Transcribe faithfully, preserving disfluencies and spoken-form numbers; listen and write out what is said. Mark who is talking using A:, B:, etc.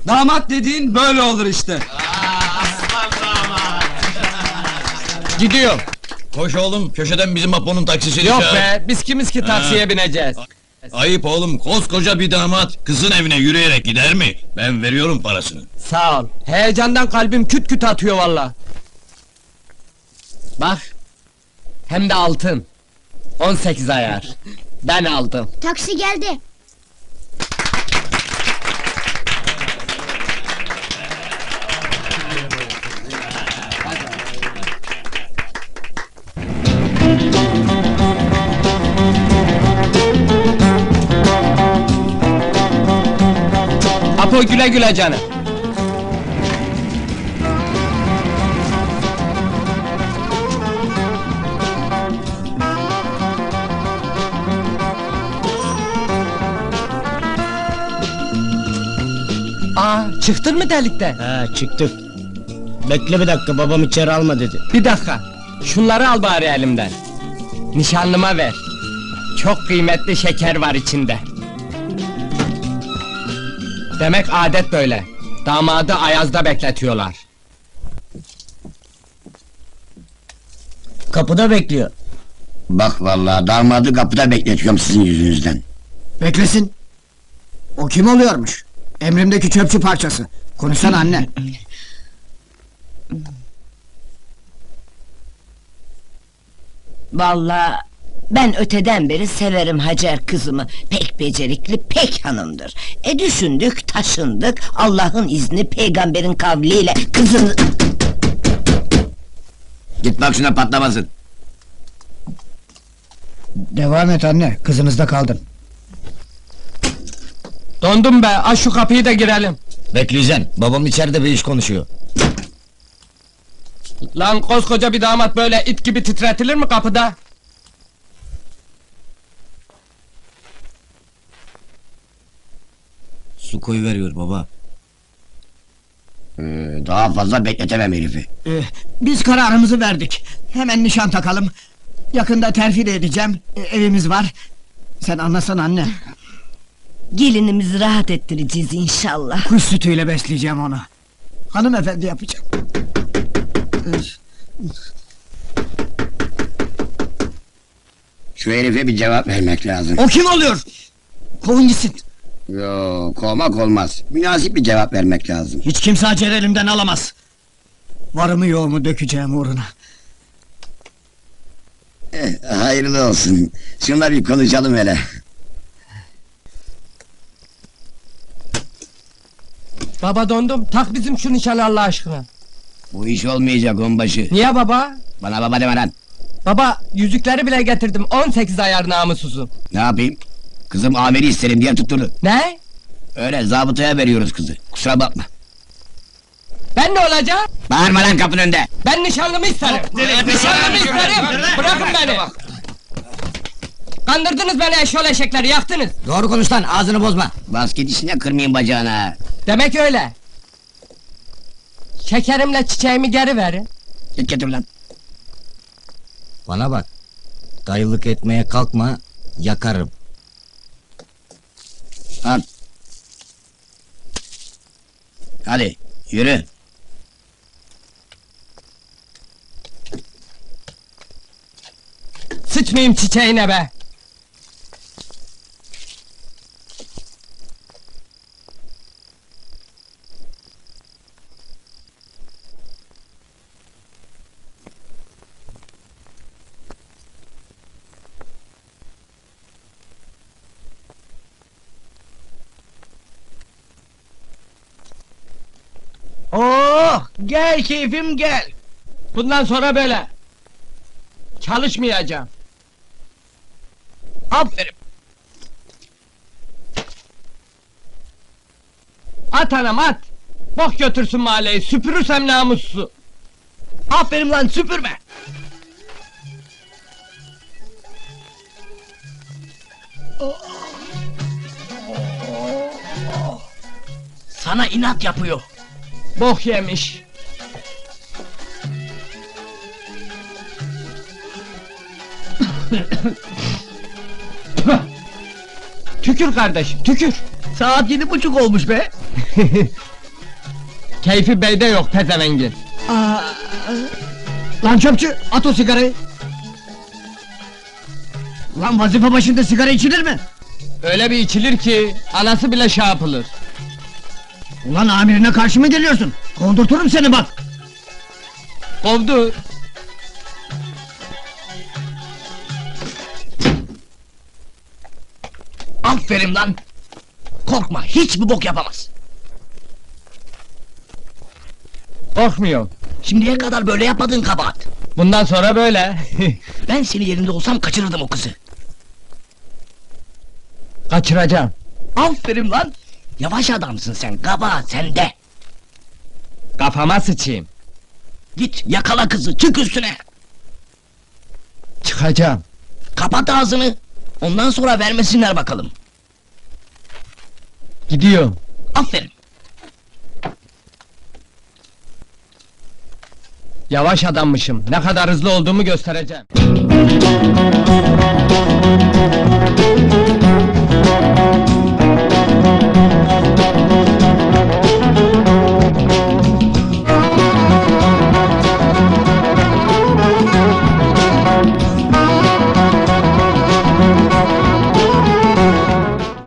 A: Damat dediğin böyle olur işte.
B: Gidiyor.
C: Koş oğlum, köşeden bizim Apo'nun taksisini
B: Yok
C: çağır.
B: be, biz kimiz ki taksiye bineceğiz?
C: Ayıp oğlum, koskoca bir damat, kızın evine yürüyerek gider mi? Ben veriyorum parasını.
B: Sağ ol. Heyecandan kalbim küt küt atıyor valla. Bak. Hem de altın. on sekiz ayar. Ben aldım.
D: Taksi geldi.
B: Apo güle güle canım. Aa, çıktın mı delikten?
E: Ha, çıktık. Bekle bir dakika, babam içeri alma dedi.
B: Bir dakika. Şunları al bari elimden. Nişanlıma ver. Çok kıymetli şeker var içinde. Demek adet böyle. Damadı ayazda bekletiyorlar.
E: Kapıda bekliyor.
F: Bak vallahi damadı kapıda bekletiyorum sizin yüzünüzden.
G: Beklesin. O kim oluyormuş? Emrimdeki çöpçü parçası. Konuşsana anne.
H: Vallahi ben öteden beri severim Hacer kızımı. Pek becerikli, pek hanımdır. E düşündük, taşındık. Allah'ın izni, peygamberin kavliyle kızını...
F: Git bak şuna patlamasın.
G: Devam et anne, kızınızda kaldın.
B: Dondum be, aç şu kapıyı da girelim.
E: Bekleyeceksin, babam içeride bir iş konuşuyor.
B: Lan koskoca bir damat böyle it gibi titretilir mi kapıda?
E: Su koyu veriyor baba.
F: Ee, daha fazla bekletemem herifi.
G: Ee, biz kararımızı verdik. Hemen nişan takalım. Yakında terfi de edeceğim. Ee, evimiz var. Sen anlasana anne.
H: Gelinimizi rahat ettireceğiz inşallah.
G: Kuş sütüyle besleyeceğim onu. Hanımefendi yapacağım.
F: Şu herife bir cevap vermek lazım.
G: O kim oluyor? Kovun gitsin.
F: Yo, kovmak olmaz. Münasip bir cevap vermek lazım.
G: Hiç kimse Hacer elimden alamaz. Varımı yoğumu dökeceğim uğruna.
F: Eh, hayırlı olsun. Şunla bir konuşalım hele.
B: Baba dondum, tak bizim şu nişanı Allah aşkına.
F: Bu iş olmayacak onbaşı.
B: Niye baba?
F: Bana baba deme lan.
B: Baba, yüzükleri bile getirdim, on sekiz ayar namussuzum.
F: Ne yapayım? Kızım amiri isterim diye tutturdu.
B: Ne?
F: Öyle zabıtaya veriyoruz kızı. Kusura bakma.
B: Ben ne olacağım?
F: Bağırma lan kapının önünde.
B: Ben nişanlımı isterim! Nişanlımı isterim! Bırakın beni! Kandırdınız beni eşyol eşekleri, yaktınız!
G: Doğru konuş lan, ağzını bozma.
F: Bas git işine, kırmayayım bacağına.
B: Demek öyle! Şekerimle çiçeğimi geri verin!
F: Git getir lan.
E: Bana bak. Dayılık etmeye kalkma, yakarım.
F: Al. Hadi, yürü.
B: Sıçmayayım çiçeğine be!
G: Oh, gel keyfim gel.
B: Bundan sonra böyle! Çalışmayacağım!
G: Aferin.
B: At anam at! Bok götürsün mahalleyi, süpürürsem namussuzu!
G: Aferin lan, süpürme. Sana inat yapıyor.
B: Bok yemiş! Tükür kardeşim, tükür!
G: Saat yedi buçuk olmuş be.
B: Keyfi beyde yok pezevengin.
G: Aa, lan çöpçü, at o sigarayı! Lan vazife başında sigara içilir mi?
B: Öyle bir içilir ki anası bile şey yapılır.
G: Ulan amirine karşı mı geliyorsun? Kondurturum seni bak!
B: Kovdu.
D: Aferin lan! Korkma, hiçbir bok yapamaz.
B: Korkmuyor.
D: Şimdiye kadar böyle yapmadığın kabahat.
B: Bundan sonra böyle.
D: Ben senin yerinde olsam kaçırırdım o kızı.
B: Kaçıracağım.
D: Aferin lan! Yavaş adamsın sen, kabahat sende.
B: Kafama sıçayım.
D: Git yakala kızı, çık üstüne!
B: Çıkacağım.
D: Kapat ağzını! Ondan sonra vermesinler bakalım.
B: Gidiyorum.
D: Aferin!
B: Yavaş adammışım. Ne kadar hızlı olduğumu göstereceğim.